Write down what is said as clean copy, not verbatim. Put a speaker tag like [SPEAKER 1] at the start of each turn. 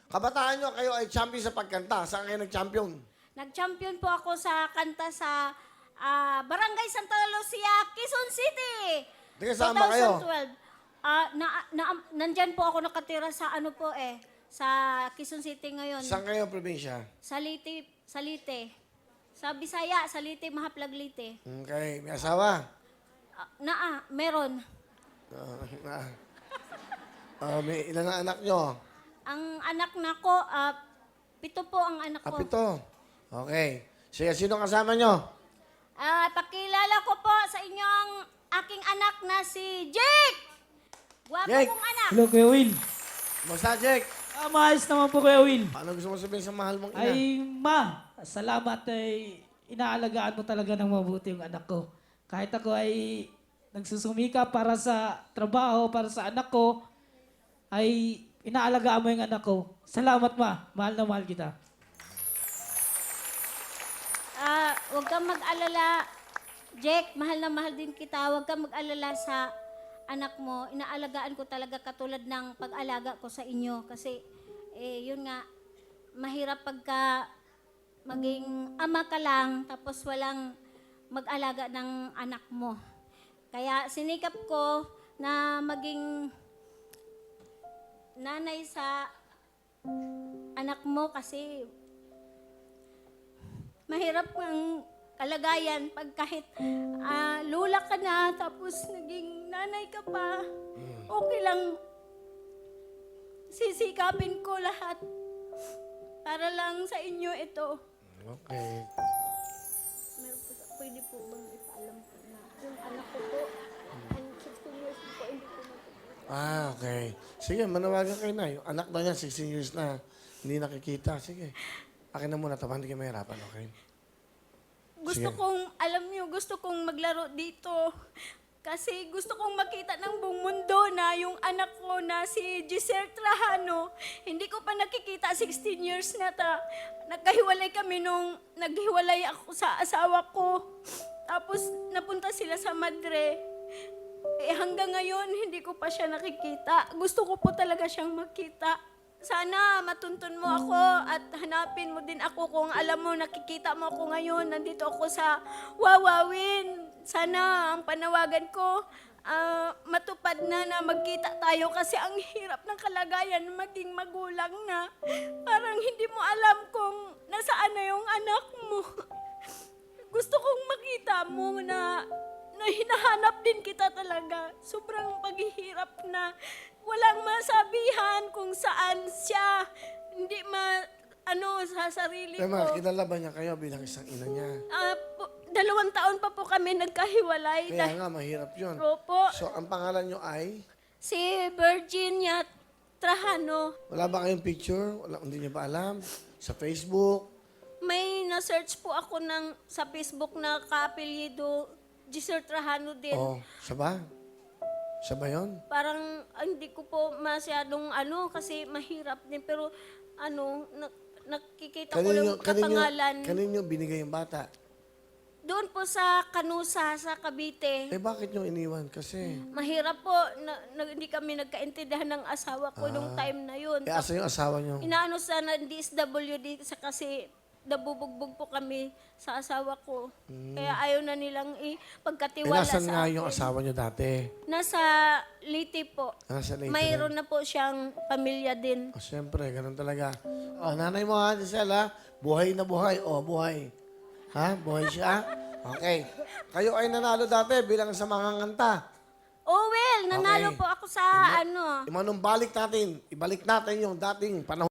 [SPEAKER 1] Kabataan nyo, kayo ay champion sa pagkanta. Saan kayo nag-champion?
[SPEAKER 2] Nag-champion po ako sa kanta sa Barangay Santa Lucia, Quezon City.
[SPEAKER 1] Kasama kayo?
[SPEAKER 2] 2012. Nandyan po ako nakatira sa sa Quezon City ngayon.
[SPEAKER 1] Saan kayo probinsya?
[SPEAKER 2] Salite. Sa Bisaya, Salite, Mahaplag, Leyte.
[SPEAKER 1] Okay. May asawa?
[SPEAKER 2] Meron.
[SPEAKER 1] May ilan na anak nyo?
[SPEAKER 2] Ang anak na ko, 7 po ang anak ko.
[SPEAKER 1] 7. Okay. Sige, sino kasama nyo?
[SPEAKER 2] Pakilala ko po sa inyong aking anak na si Jake! Gwapo
[SPEAKER 1] Jake!
[SPEAKER 2] kong anak.
[SPEAKER 3] Hello, Kuya Will.
[SPEAKER 1] Basta, Jake.
[SPEAKER 3] Maayos naman po, Kuya Will.
[SPEAKER 1] Ano gusto mo sabihin sa mahal mong ina?
[SPEAKER 3] Ay, ma, salamat ay inaalagaan mo talaga ng mabuti yung anak ko. Kahit ako ay nagsusumika para sa trabaho, para sa anak ko, ay inaalagaan mo yung anak ko. Salamat, ma. Mahal na mahal kita.
[SPEAKER 2] Huwag kang mag-alala, Jake. Mahal na mahal din kita. Huwag kang mag-alala sa anak mo. Inaalagaan ko talaga katulad ng pag-alaga ko sa inyo. Kasi, yun nga, mahirap pagka maging ama ka lang tapos walang mag-alaga ng anak mo. Kaya sinikap ko na maging nanay sa anak mo kasi mahirap ang kalagayan pag kahit lula ka na tapos naging nanay ka pa. Okay lang. Sisikapin ko lahat para lang sa inyo ito.
[SPEAKER 1] Okay.
[SPEAKER 2] Pwede po bang ipaalam ko na yung anak ko po, 16 years po, hindi po
[SPEAKER 1] Okay. Sige, manawagan kayo na. Yung anak na niya, 16 years na, hindi nakikita. Sige. Akin na muna, tama, hindi kayo mahirapan, okay?
[SPEAKER 2] Gusto
[SPEAKER 1] Sige.
[SPEAKER 2] kong, alam niyo, gusto kong maglaro dito. Kasi gusto kong makita ng buong mundo na yung anak ko na si Giselle Trajano, hindi ko pa nakikita 16 years na ta. Nagkahiwalay kami nung naghiwalay ako sa asawa ko. Tapos napunta sila sa Madre. Hanggang ngayon, hindi ko pa siya nakikita. Gusto ko po talaga siyang makita. Sana matuntun mo ako at hanapin mo din ako kung alam mo, nakikita mo ako ngayon. Nandito ako sa Wawawin. Sana ang panawagan ko, matupad na magkita tayo kasi ang hirap ng kalagayan maging magulang na. Parang hindi mo alam kung nasaan na yung anak mo. Gusto kong makita mo na hinahanap din kita talaga. Sobrang paghihirap na walang masabihan kung saan siya. Hindi sa sarili ko.
[SPEAKER 1] Tema, kilala ba niya kayo bilang isang ina niya?
[SPEAKER 2] 2 taon pa po kami nagkahiwalay.
[SPEAKER 1] Kaya nga, mahirap yun.
[SPEAKER 2] Opo.
[SPEAKER 1] So, ang pangalan niyo ay?
[SPEAKER 2] Si Virginia Trajano.
[SPEAKER 1] Wala ba kayong picture? Hindi niyo ba alam? Sa Facebook?
[SPEAKER 2] May na-search po ako sa Facebook na ka-apelyido Giselle Trajano din.
[SPEAKER 1] Siya ba? Siya ba yun?
[SPEAKER 2] Parang hindi ko po masyadong kasi mahirap din. Pero nakikita ko lang kapangalan.
[SPEAKER 1] Kanino binigay yung bata?
[SPEAKER 2] Doon po sa Kanusa, sa Cavite.
[SPEAKER 1] Bakit niyo iniwan? Kasi,
[SPEAKER 2] Mahirap po. Hindi kami nagkaintindihan ng asawa ko nung time na yun.
[SPEAKER 1] asa yung asawa niyo?
[SPEAKER 2] Inaano sana DSWD kasi nabubugbog po kami sa asawa ko. Kaya ayaw na nilang ipagkatiwala
[SPEAKER 1] Nasaan
[SPEAKER 2] sa
[SPEAKER 1] nga
[SPEAKER 2] akin.
[SPEAKER 1] yung asawa niyo dati?
[SPEAKER 2] Nasa Leyte po.
[SPEAKER 1] Nasa Leyte
[SPEAKER 2] Mayroon na po siyang pamilya din.
[SPEAKER 1] Siyempre, ganun talaga. Nanay mo ha, Giselle ha? Buhay na buhay. Buhay. Ha? Buhay siya? Okay. Kayo ay nanalo dati bilang sa mga nganta.
[SPEAKER 2] Oh well, nanalo
[SPEAKER 1] Okay.
[SPEAKER 2] po ako sa
[SPEAKER 1] Imanumbalik natin, ibalik natin yung dating panahon.